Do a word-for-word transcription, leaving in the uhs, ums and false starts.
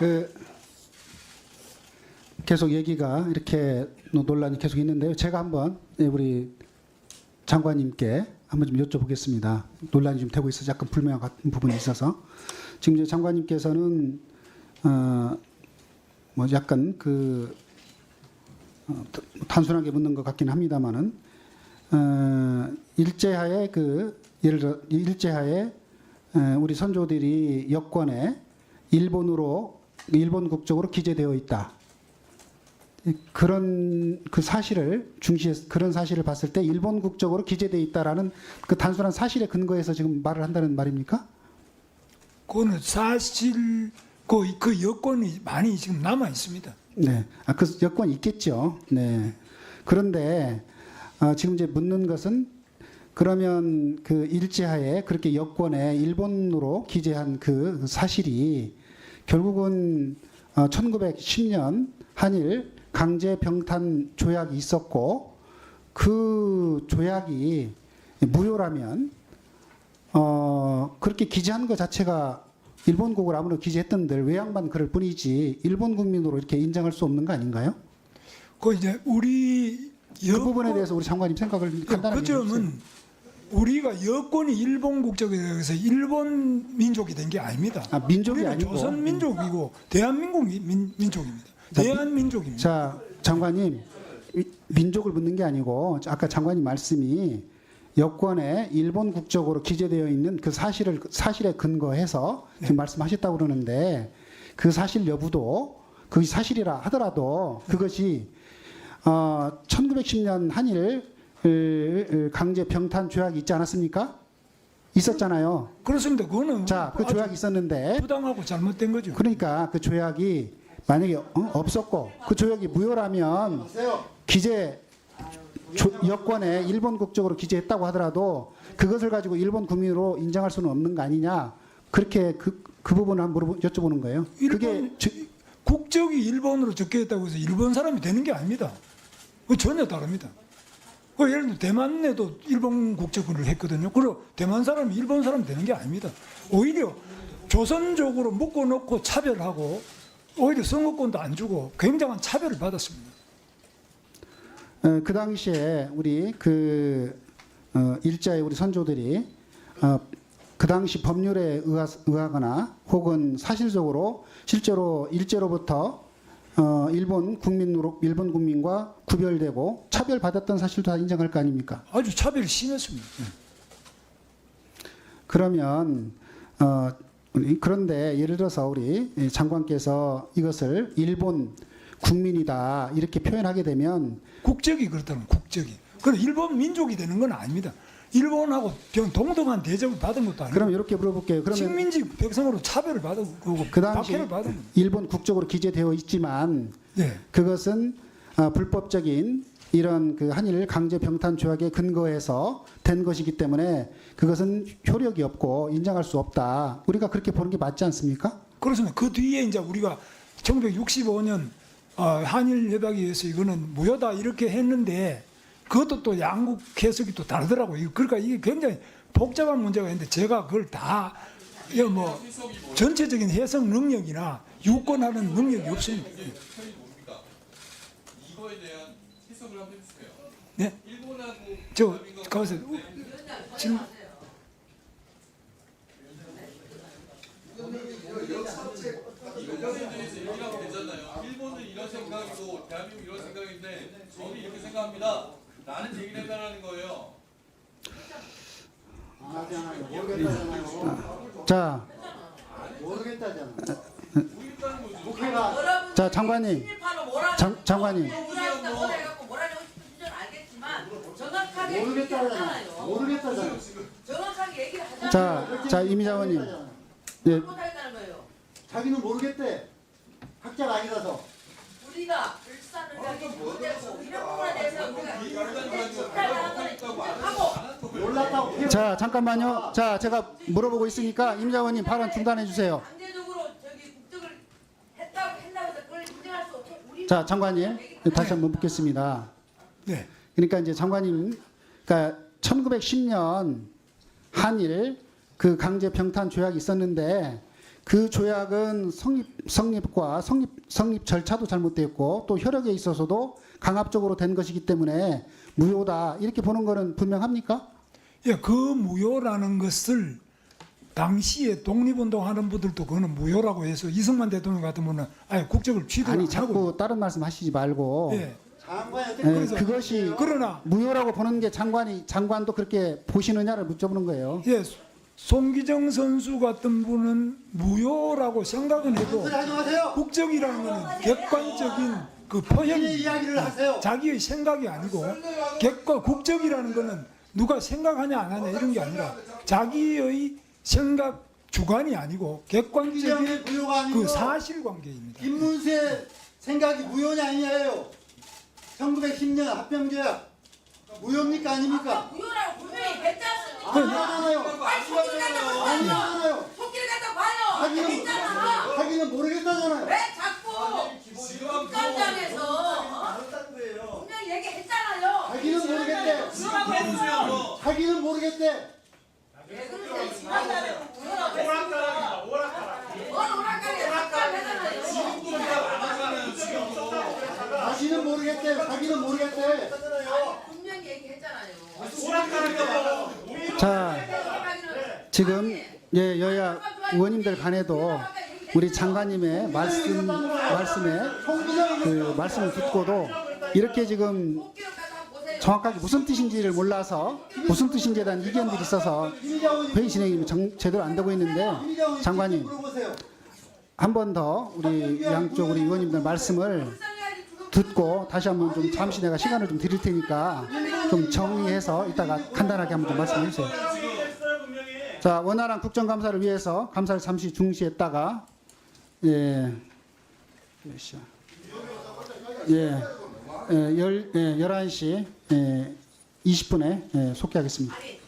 그 계속 얘기가 이렇게 논란이 계속 있는데요. 제가 한번 우리 장관님께 한번 좀 여쭤보겠습니다. 논란이 좀 되고 있어서 약간 불명확한 부분이 있어서 지금 이제 장관님께서는 어 뭐 약간 그 어, 단순하게 묻는 것 같긴 합니다만은 어 일제하에 그 예를 들어 일제하에 어, 우리 선조들이 여권에 일본으로 일본 국적으로 기재되어 있다. 그런 그 사실을 중시해서 그런 사실을 봤을 때 일본 국적으로 기재되어 있다라는 그 단순한 사실에 근거해서 지금 말을 한다는 말입니까? 그거는 사실 그, 그 여건이 많이 지금 남아 있습니다. 네, 아, 그 여건이 있겠죠. 네. 그런데 어, 지금 이제 묻는 것은 그러면 그 일제하에 그렇게 여권에 일본으로 기재한 그 사실이 결국은 어, 천구백십 년 한일 강제 병탄 조약이 있었고 그 조약이 무효라면 어, 그렇게 기재한 것 자체가 일본국을 아무리 기재했던들 외양만 그럴 뿐이지 일본 국민으로 이렇게 인정할 수 없는 거 아닌가요? 그 이제 우리 그 여권, 부분에 대해서 우리 장관님 생각을 그, 간단하게 그 점은 우리가 여권이 일본 국적에 대해서 일본 민족이 된 게 아닙니다. 아, 민족이 우리는 아니고 조선 민족이고 대한민국 민, 민족입니다. 대한민족입니다. 자, 장관님, 민족을 묻는 게 아니고 아까 장관님 말씀이 여권에 일본 국적으로 기재되어 있는 그 사실을 사실에 근거해서 네. 지금 말씀하셨다고 그러는데 그 사실 여부도 그게 사실이라 하더라도 그것이 어, 천구백십 년 한일 강제 병탄 조약이 있지 않았습니까? 있었잖아요. 그렇습니다. 그거는 자, 그 아주 조약이 있었는데 부당하고 잘못된 거죠. 그러니까 그 조약이 만약에 어? 없었고 그 조약이 무효라면 기재 조, 여권에 일본 국적으로 기재했다고 하더라도 그것을 가지고 일본 국민으로 인정할 수는 없는 거 아니냐 그렇게 그, 그 부분을 한번 물어보, 여쭤보는 거예요. 일본, 그게 저, 국적이 일본으로 적혀있다고 해서 일본 사람이 되는 게 아닙니다. 그 전혀 다릅니다. 그 예를 들어 대만에도 일본 국적을 했거든요. 그리고 대만 사람이 일본 사람 되는 게 아닙니다. 오히려 조선족으로 묶어놓고 차별하고 오히려 선거권도 안 주고 굉장한 차별을 받았습니다. 어, 그 당시에 우리 그 어, 일자의 우리 선조들이 어, 그 당시 법률에 의하, 의하거나 혹은 사실적으로 실제로 일제로부터 어, 일본 국민으로 일본 국민과 구별되고 차별받았던 사실도 다 인정할 거 아닙니까? 아주 차별이 심했습니다. 그러면 어, 우리 그런데 예를 들어서 우리 장관께서 이것을 일본 국민이다 이렇게 표현하게 되면 국적이 그렇다면 국적이. 그럼 일본 민족이 되는 건 아닙니다. 일본하고 동등한 대접을 받은 것도 아니고 그럼 이렇게 물어볼게요. 그러면 식민지 백성으로 차별을 받은 거고 그 당시 박해를 받은 겁니다. 일본 국적으로 기재되어 있지만 네. 그것은 어, 불법적인 이런 그 한일 강제 병탄 조약에 근거해서 된 것이기 때문에 그것은 효력이 없고 인정할 수 없다. 우리가 그렇게 보는 게 맞지 않습니까? 그렇습니다. 그 뒤에 이제 우리가 천구백육십오 년 어, 한일 협약에 의해서 이거는 무효다 이렇게 했는데 그것도 또 양국 해석이 또 다르더라고요. 그러니까 이게 굉장히 복잡한 문제가 있는데 제가 그걸 다 뭐 전체적인 해석 능력이나 유권하는 능력이 없습니다. 이거에 대한 해석을 한번 해주세요. 네? 일본하고 저 가서 지금 이거에 대해서 얘기를 하면 되잖아요. 일본은 이런 생각이고 대한민국 이런 생각인데 저는 이렇게 생각합니다. 나는 얘기를 해달라는 거예요. 자, 모르겠다잖아. 모르겠다는 거죠. 국회가 자 장관님, 장, 장관님, 모르겠다잖아. 모르겠다잖아. 정확하게 얘기를 하자. 자, 자 이미자원님, 네, 못하겠다는 거예요. 자기는 모르겠대. 학자가 아니라서. 우리가 불산을 가기 못되고 이런 부분에 대해서 우리가 식사를 한 거는 인정하고 몰랐다고 표현. 자 잠깐만요. 자 제가 물어보고 있으니까 이미자원님 발언 중단해 주세요. 강제적으로 저기 국적을 했다고 했다고 해서 그걸 인정할 수 없고 우리 자 장관님 다시 한번 묻겠습니다. 네. 그러니까 이제 장관님, 그러니까 천구백십 년 한일 그 강제 병탄 조약이 있었는데 그 조약은 성립 성립과 성립 성립 절차도 잘못됐고 또 효력에 있어서도 강압적으로 된 것이기 때문에 무효다 이렇게 보는 거는 분명합니까? 예, 그 무효라는 것을 당시에 독립운동하는 분들도 그거는 무효라고 해서 이승만 대통령 같은 분은 아예 국적을 취득을 아니 안 하고 자꾸 다른 말씀하시지 말고 예, 장관이 어떻게 예, 그래서- 그것이 그러나 무효라고 보는 게 장관이 장관도 그렇게 보시느냐를 묻어보는 거예요. 예, 송기정 선수 같은 분은 무효라고 생각은 해도 소리 하지 마세요. 국적이라는 것은 객관적인 그 본인의 표현이 이야기를 하세요. 자기의 생각이 아니고 객관 국적이라는 것은 누가 생각하냐 안 하냐 이런 게 아니라 자기의 생각 주관이 아니고 객관적인 이정의 무효가 아니고 그 사실관계입니다. 김문수의 생각이 무효냐 아니냐예요. 천구백십 년 합병조약 무효입니까 아닙니까? 무효라고 분명히 했잖아요. 아니잖아요. 아니 속길 갖다 봐요. 아니잖아요. 속길 갖다 봐요. 하기는 했잖아. 하기는 모르겠다잖아요. 왜 자꾸 국감장에서 분명히 얘기했잖아요. 하기는 모르겠대. 무효라고 했어요. 하기는 모르겠대. 왜 그러세요? 지난달에 무효라고 했어요. 뭘 오락가리야? 답답하잖아요. 하기는 모르겠대. 하기는 모르겠대. 아니 분명히 얘기했잖아요. 자 지금 예, 여야 의원님들 간에도 우리 장관님의 말씀 말씀에 그 말씀을 듣고도 이렇게 지금 속기록 갖다 보세요. 정확하게 무슨 뜻인지를 몰라서 무슨 뜻인지에 대한 이견들이 있어서 회의 진행이 정- 제대로 안 되고 있는데 장관님 물어보세요. 한 번 더 우리 양쪽 우리 의원님들 말씀을 듣고 다시 한번 좀 잠시 내가 시간을 좀 드릴 테니까 좀 정리해서 이따가 간단하게 한번 좀 말씀해 주세요. 자, 원활한 국정감사를 위해서 감사를 잠시 중시했다가 예, 몇 시야? 예, 예, 열, 예, 열한 시 예, 이십 분에 예, 속개하겠습니다.